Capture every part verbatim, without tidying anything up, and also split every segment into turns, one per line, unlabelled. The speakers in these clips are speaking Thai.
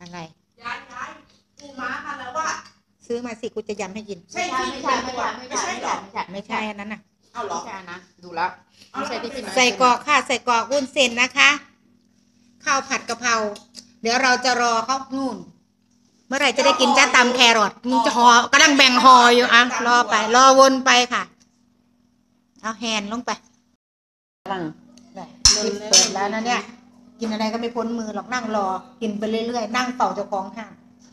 อะไร
ย้ายย้ายกูม้ามาแล้วว่า
ซื้อมาสิกูจะยำให้กิน
ใช่ไม่ใช่ไม่ใช่ไม่ใช่ไม่ใช่ไม่ใช่
ไม่ใช่อันนั้นน่ะ
เอาหรอ
ไม่ใช่นะดูแล้วไม่ใช่ที่พี่
ใส่กรอกค่ะใส่กรอกวุ้นเส้นนะคะข้าวผัดกะเพราเดี๋ยวเราจะรอเขานู่นเมื่อไหร่จะได้กินจ้าตำแครอทมึงจะห่อกำลังแบ่งห่ออยู่อ่ะรอไปรอวนไปค่ะเอาแฮนลงไป
กำลัง
กินเปิดแล้วนะเนี่ยกินอะไรก็ไม่พ้นมือหรอกนั่งรอกินไปเรื่อยๆนั่งเป่าเจ้าของห้าง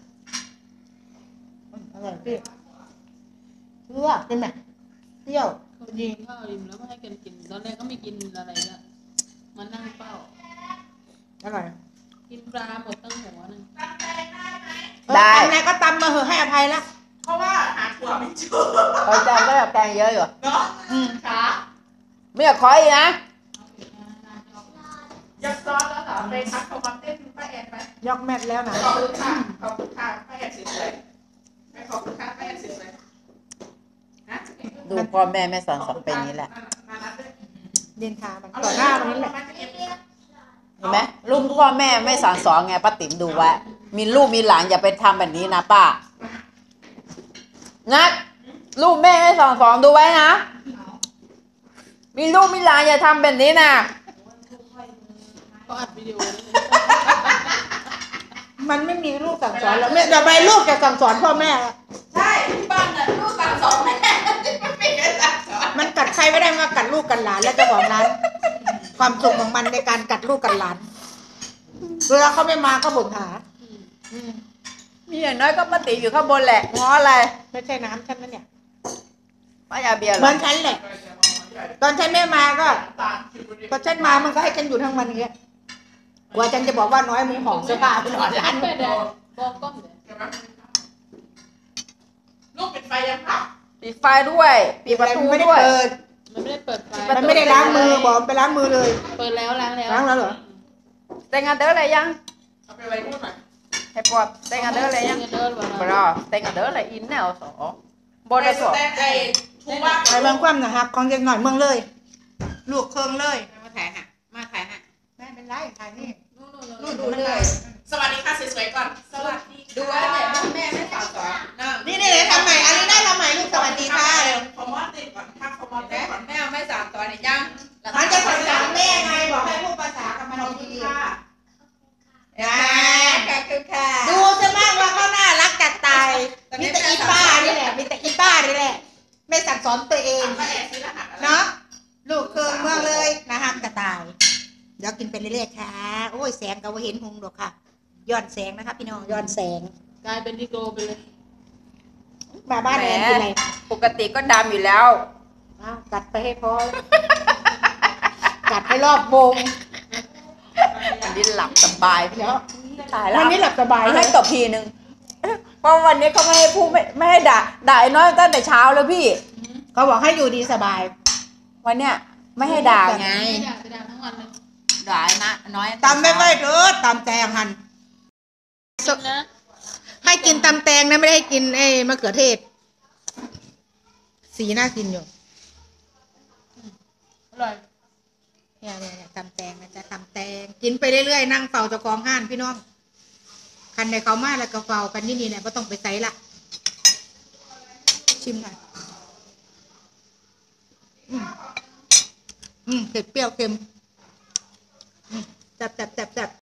อร่อยพี่เปรี้ยวเป็นไหมเปรี้ยว
ยิงข้าวริมแล้วก็ให้กันกินตอนแรกก็ไม่กินอะไรละมานั่งเฝ้า
อร่อย
กินปลาหมดตั้งหัวนึง
ได้ทำอะไรก็ตำมาเหอะให้อภัยแล้ว
เพราะว่าหาถั่วไม่เจอ
เออจานก็แบบแกงเยอะอยู่
เนาะอืมค่ะ
ไม่อยากขออีกนะ
ยกซอสแล้วเหรอไปทักเขามาเต้นป้าแอนไป
ยกแมทแล้วนะ
ขอบคุณค่ะขอบคุณค่ะป้าแอนสวยๆไปขอบคุณค่ะป้าแอนสวยๆนะ
ดูพ่อแม่แม่สอนสอนเป็นนี้แหละ
เดินทางมันต่อหน้าวันนี้แหละ
เห็นไหมลูกพ่อแม่ไม่สอนสอนไงป้าติ๋มดูไว้มีลูกมีหลานอย่าไปทำแบบนี้นะป้านัดลูกแม่ไม่สอนสอนดูไว้นะมีลูกมีหลานอย่าทำแบบนี้นะ
ก็อัดวิดีโอ
มันไม่มีลูกสั่งสอนแล้วแม่เดี๋ยวไปลูกจะสั่งสอนพ่อแม่
ใช่บ้านน่ะลูกสั่งสอนแม่ไม่เคยสั่งสอน
มันกัดใครไม่ได้มากัดลูกกัดหลานแล้วเจ้าของร้านความสุขของมันในการกัดลูกกัดหลานเวลาเขาไม่มาก็บ่นหา
มีอย่างน้อยก็ป้าติ๋มอยู่ข้างบนแหละง้ออะไร
ไม่ใช่น้ำฉันนั่นเนี่ย
ป้ายาเบียร์
เหมือนฉันแหละตอนฉันไม่มาก็พอฉันมามันก็ให้ฉันอยู่ทั้งวันนี้กว่าฉันจะบอกว่าน้อยมึงหอมเสื้อผ้าไปนอนร้าน
บอกก้มเลย
ลูกปิดไฟยังคะ
ปิดไฟด้วยปิดประตูด้วย
มันไม่ได้เปิดไฟ
มันไม่ได้ล้างมือบอกไปล้างมือเลย
เปิดแล้วล้างแล้ว
ล้างแล้วเหรอ
แต่งงานเด้ออะไรยัง
เอาไปไว้นู่นหน่อย
ให้ปอดแต่งงานเด้ออะไรยังบรอแต่งงานเด้ออะไรอินแนวสอบนสอ
แต่ไอ้ทูว่า
ไอ้บางความนะครับของเด็กหน่อยเมืองเลยลูกเครื่องเลย
มาถ่ายฮะมาถ่ายฮะ
ไม่เป็นไรถ่ายนี่
นู่นดูเลย
สวัสดีค่ะสวยๆก่อนสวัสดี
ดูไว้แม่แม่ไม่สอนสอน
นี่นี่ทำใหม่อันนี้ได้ทำใหม่ลูกสวัสดีค่ะ
คอมมอนติดก่อนทักคอมมอนติดก่อน
แม่ไม่สอนสอนเนี่ยยัง
มันจะสอนสอนแม่ไงบอกให้พูดภาษากับมันดีๆค่ะดูจะมากว่าเขาน่ารักจัดตายมีแต่อีป้านี่แหละมีแต่อีป้านี่แหละไม่สั่งสอนตัวเองเนาะลูกเครื่องเมืองเลยนะฮะกระต่ายเดี๋ยวกินไปเรื่อยๆค่ะโอ้ยแสงก็ว่าเห็นหงดอกค่ะย้อนแสงนะคะพี่น้องย้อนแสง
กลายเป็นดิโกไปเลย
มาบ้านแอนกินอะไร
ปกติก็ดำอยู่แล้ว
กัดไปให้พอกัดให้รอบวง
วันนี้หลับสบาย
แล้ว
ตายแล้ว
วันนี้หลับสบาย
ให้ตบทีนึงเพราะวันนี้เขาไม่ให้พูดไม่ไม่ให้ด่าด่าไอ้น้อยตั้งแต่เช้าแล้วพี่
เขาบอกให้อยู่ดีสบาย
วันเนี้ยไม่ให้ด่าไง
ด่าจะด่าทั้งวันเลย
ด่านะน้อย
ตำไม่ไหวเด้อตำแตงหันให้กินตำแตงนะไม่ได้ให้กินไอ้มะเขือเทศสีน่ากินอยู่
อร่อย
เนี่ยเนี่ยตำแตงนะจ๊ะตำแตงกินไปเรื่อยๆนั่งเฝ้าเจ้าของห้านพี่น้องคันในเขามาแล้วก็เฝ้ากันนี่นี่เนี่ยก็ต้องไปใส่ละชิมหน่อยอืมอืมเผ็ดเปรี้ยวเค็มอืมแซ่บแซ่บแซ่บแซ่บ